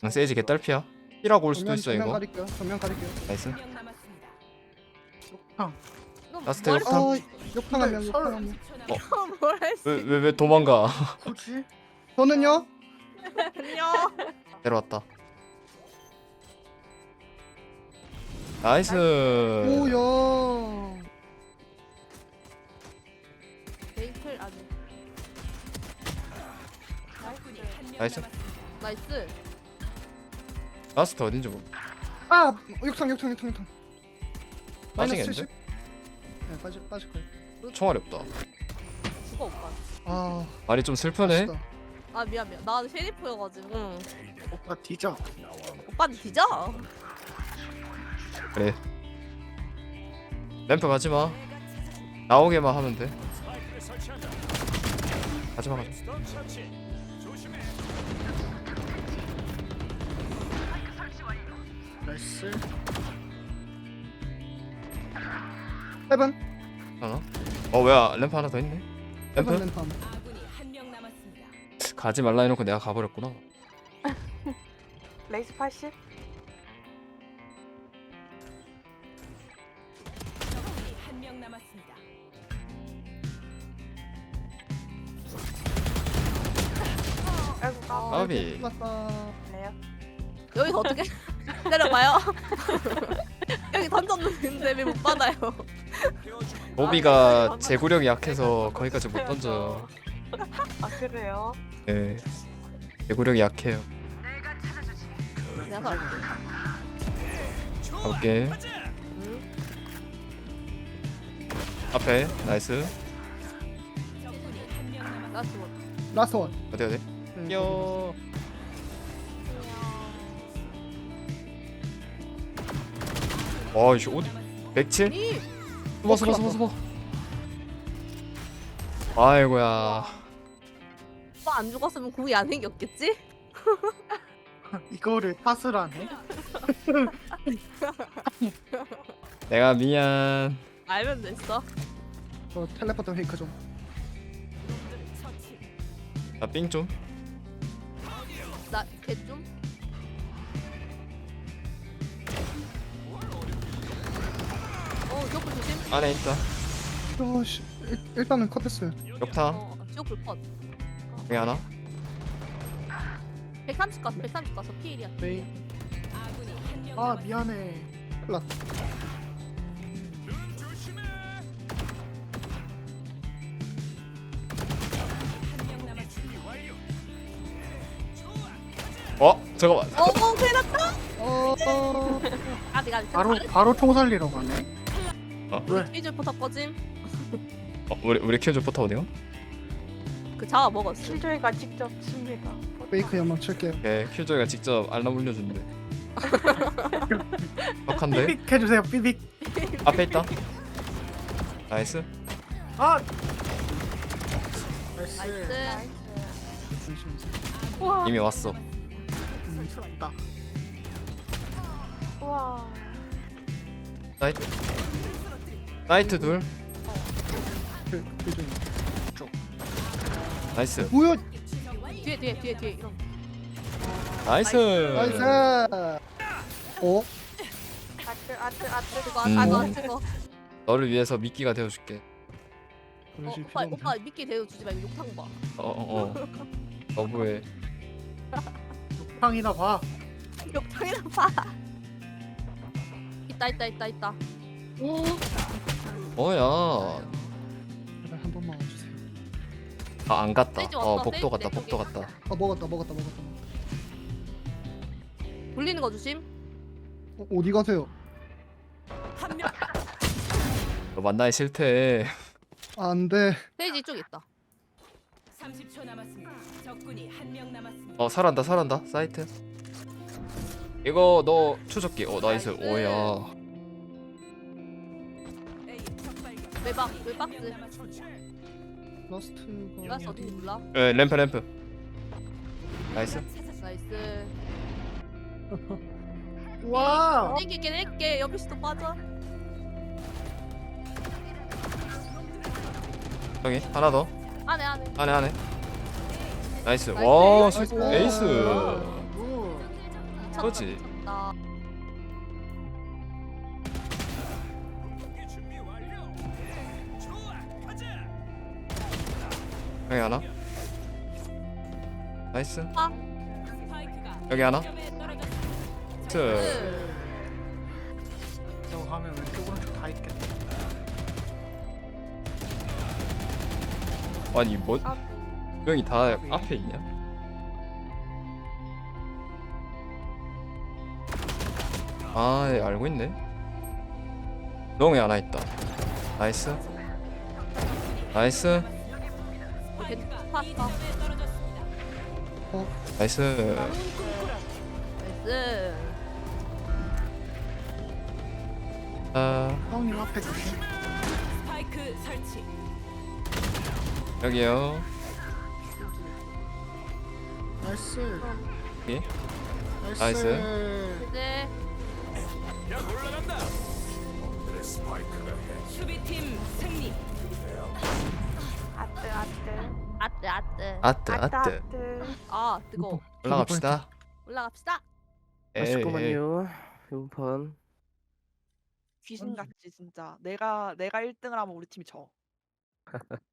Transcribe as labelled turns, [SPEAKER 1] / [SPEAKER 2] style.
[SPEAKER 1] 세이지 개딸피야. 힐하고 올 수도 있어
[SPEAKER 2] 정면
[SPEAKER 1] 이거.
[SPEAKER 2] 가릴게요. 정면 가릴게요.
[SPEAKER 1] 나이스.
[SPEAKER 3] 형.
[SPEAKER 1] 라스트
[SPEAKER 4] 뭘
[SPEAKER 1] 욕탕.
[SPEAKER 2] 욕탕 한 명, 욕탕 한 명.
[SPEAKER 4] 뭘 했어?
[SPEAKER 1] 왜 도망가?
[SPEAKER 3] 뭐지?
[SPEAKER 2] 저는요?
[SPEAKER 4] 안녕.
[SPEAKER 1] 내려왔다. 나이스.
[SPEAKER 2] 오야.
[SPEAKER 4] 베이클 아니.
[SPEAKER 1] 나이스.
[SPEAKER 4] 나이스.
[SPEAKER 1] 라스트 어딘지 모르.
[SPEAKER 2] 아, 욕탕. 마이너스
[SPEAKER 1] 빠지겠는데?
[SPEAKER 2] 70. 네, 빠질 거예요.
[SPEAKER 1] 총알이 없다.
[SPEAKER 4] 죽어 오빠.
[SPEAKER 2] 아,
[SPEAKER 1] 말이 좀 슬프네.
[SPEAKER 2] 아쉽다.
[SPEAKER 4] 아 미안. 나 쉐리프여가지고.
[SPEAKER 3] 오빠 뒤져.
[SPEAKER 4] 오빠는 뒤져.
[SPEAKER 1] 그래. 램프 가지 마. 나오게만 하면 돼. 가지 마.
[SPEAKER 3] 나이스.
[SPEAKER 2] 헤븐.
[SPEAKER 1] 하나? 뭐야? 램프 하나 더 있네.
[SPEAKER 2] 헤븐
[SPEAKER 1] 램프?
[SPEAKER 2] 램프.
[SPEAKER 1] 가지 말라 해놓고 내가 가버렸구나.
[SPEAKER 5] 레이스 80? 아이고
[SPEAKER 1] 까비.
[SPEAKER 2] 맞다.
[SPEAKER 5] 까네요.
[SPEAKER 4] 여기서 어떻게 내려가요? 여기 던졌는데 왜 못 받아요?
[SPEAKER 1] 보비가 제구력이 약해서 거기까지 못 던져.
[SPEAKER 5] 아 그래요?
[SPEAKER 1] 네. 제구력이 약해요.
[SPEAKER 4] 내가 갈게.
[SPEAKER 1] 가볼게. 앞에 나이스.
[SPEAKER 4] 나 죽어.
[SPEAKER 2] 라스트 원.
[SPEAKER 1] 어디 어디?
[SPEAKER 2] 네,
[SPEAKER 1] 요. 와 이씨 어디? 107?
[SPEAKER 4] 이
[SPEAKER 1] 숨어. 아이고야.
[SPEAKER 4] 오빠 안 죽었으면 궁이 안 생겼겠지?
[SPEAKER 3] 이거를 탓을 하네.
[SPEAKER 1] 내가 미안.
[SPEAKER 4] 알면 됐어.
[SPEAKER 2] 저 텔레포트 페이크 좀.
[SPEAKER 1] 나 삥 좀.
[SPEAKER 4] 나 걔 좀. 지옥불 조심.
[SPEAKER 1] 안에 있다.
[SPEAKER 2] 씨, 일단은 컷했어요.
[SPEAKER 1] 역타.
[SPEAKER 4] 지옥불 컷.
[SPEAKER 1] 여기 하나.
[SPEAKER 4] 130 가서 130 가서 피일이야.
[SPEAKER 3] 네. 아 미안해.
[SPEAKER 2] 플랫.
[SPEAKER 1] 잠깐만.
[SPEAKER 4] 큰일 났다. 아직
[SPEAKER 3] 바로 총 살리러 가네.
[SPEAKER 4] 피줄 포탑 꺼짐.
[SPEAKER 1] 우리 키워줘 포터 어디가?
[SPEAKER 4] 그 자와 먹었어.
[SPEAKER 5] 실조이가 직접 칩니다.
[SPEAKER 2] 페이크 연막 칠게요.
[SPEAKER 1] 네, 킬조이가 직접 알람 울려준대. 빡한데?
[SPEAKER 3] 삐빅 해주세요. 삐빅.
[SPEAKER 1] 앞에 있다. 나이스.
[SPEAKER 3] 아. 나이스.
[SPEAKER 4] 나이스.
[SPEAKER 5] 우와.
[SPEAKER 1] 이미 왔어.
[SPEAKER 3] 미쳤다.
[SPEAKER 5] 우와.
[SPEAKER 1] 나이트 둘.
[SPEAKER 2] 그
[SPEAKER 1] 나이스.
[SPEAKER 2] 뭐야?
[SPEAKER 4] 뒤에 이런.
[SPEAKER 1] 나이스.
[SPEAKER 2] 나이스. 어?
[SPEAKER 5] 아트.
[SPEAKER 4] 그거
[SPEAKER 1] 음.
[SPEAKER 4] 그거.
[SPEAKER 1] 너를 위해서 미끼가 되어줄게.
[SPEAKER 2] 그러실 필요
[SPEAKER 4] 오빠
[SPEAKER 2] 없네.
[SPEAKER 4] 오빠 미끼 대우 주지 말고 욕탕 봐.
[SPEAKER 1] 너부의
[SPEAKER 3] 팡이나 봐.
[SPEAKER 4] 욕탕이나 봐. 있다.
[SPEAKER 1] 뭐야?
[SPEAKER 2] 제발 한 번만 와주세요.
[SPEAKER 1] 안 갔다.
[SPEAKER 4] 세이지 왔다,
[SPEAKER 1] 복도
[SPEAKER 4] 세이지
[SPEAKER 1] 갔다.
[SPEAKER 4] 내
[SPEAKER 1] 복도
[SPEAKER 4] 쪽에.
[SPEAKER 1] 갔다.
[SPEAKER 2] 아, 먹었다.
[SPEAKER 4] 돌리는 거 조심.
[SPEAKER 2] 어디 가세요?
[SPEAKER 1] 너 만나기 싫대.
[SPEAKER 2] 안 돼.
[SPEAKER 4] 페이지 이쪽 있다.
[SPEAKER 6] 30초 남았습니다. 적군이 한 명 남았습니다.
[SPEAKER 1] 살았다. 사이트. 이거 너 추적기. 나이스.
[SPEAKER 4] 나이스.
[SPEAKER 1] 오야.
[SPEAKER 6] A 적발견.
[SPEAKER 4] 외박스.
[SPEAKER 2] 라스트가
[SPEAKER 4] 라스 어딘지 몰라.
[SPEAKER 1] 램프. 나이스.
[SPEAKER 4] 나이스.
[SPEAKER 3] 와.
[SPEAKER 4] 낼게. 옆에서도 빠져.
[SPEAKER 1] 여기 하나 더.
[SPEAKER 4] 안에.
[SPEAKER 1] 안에. 나이스.
[SPEAKER 4] 나이스.
[SPEAKER 1] 와,
[SPEAKER 2] 나이스.
[SPEAKER 1] 에이스.
[SPEAKER 3] 오.
[SPEAKER 1] 그거지.
[SPEAKER 4] 미쳤다.
[SPEAKER 1] 여기 하나. 나이스.
[SPEAKER 6] 스파이크가
[SPEAKER 1] 여기 하나.
[SPEAKER 6] 점에 떨어졌습니다.
[SPEAKER 1] 트.
[SPEAKER 3] 저거 가면 왼쪽 오른쪽 다 있겠다.
[SPEAKER 1] 아니 뭐
[SPEAKER 5] 아,
[SPEAKER 1] 명이 다 앞에 있냐? 아, 예, 알고 있네. 롱에 하나 있다. 나이스. 나이스.
[SPEAKER 6] 스파이크가
[SPEAKER 4] 파,
[SPEAKER 6] B
[SPEAKER 4] 파.
[SPEAKER 6] 지점에 떨어졌습니다.
[SPEAKER 1] 나이스.
[SPEAKER 4] 나이스.
[SPEAKER 1] 아,
[SPEAKER 3] 형님 앞에 조심.
[SPEAKER 6] 스파이크 설치.
[SPEAKER 1] 여기요.
[SPEAKER 3] 나이스.
[SPEAKER 1] 여기.
[SPEAKER 3] 나이스.
[SPEAKER 4] 네.
[SPEAKER 6] 수비팀 승리.
[SPEAKER 5] 아뜨 아뜨.
[SPEAKER 4] 아뜨 아뜨.
[SPEAKER 1] 아뜨, 아뜨.
[SPEAKER 5] 아뜨.
[SPEAKER 4] 아 뜨거.
[SPEAKER 1] 올라갑시다.
[SPEAKER 4] 올라갑시다.
[SPEAKER 1] 에이,
[SPEAKER 7] 아쉽구만요. 이번 판.
[SPEAKER 8] 귀신 같지 진짜. 내가 1등을 하면 우리 팀이 져.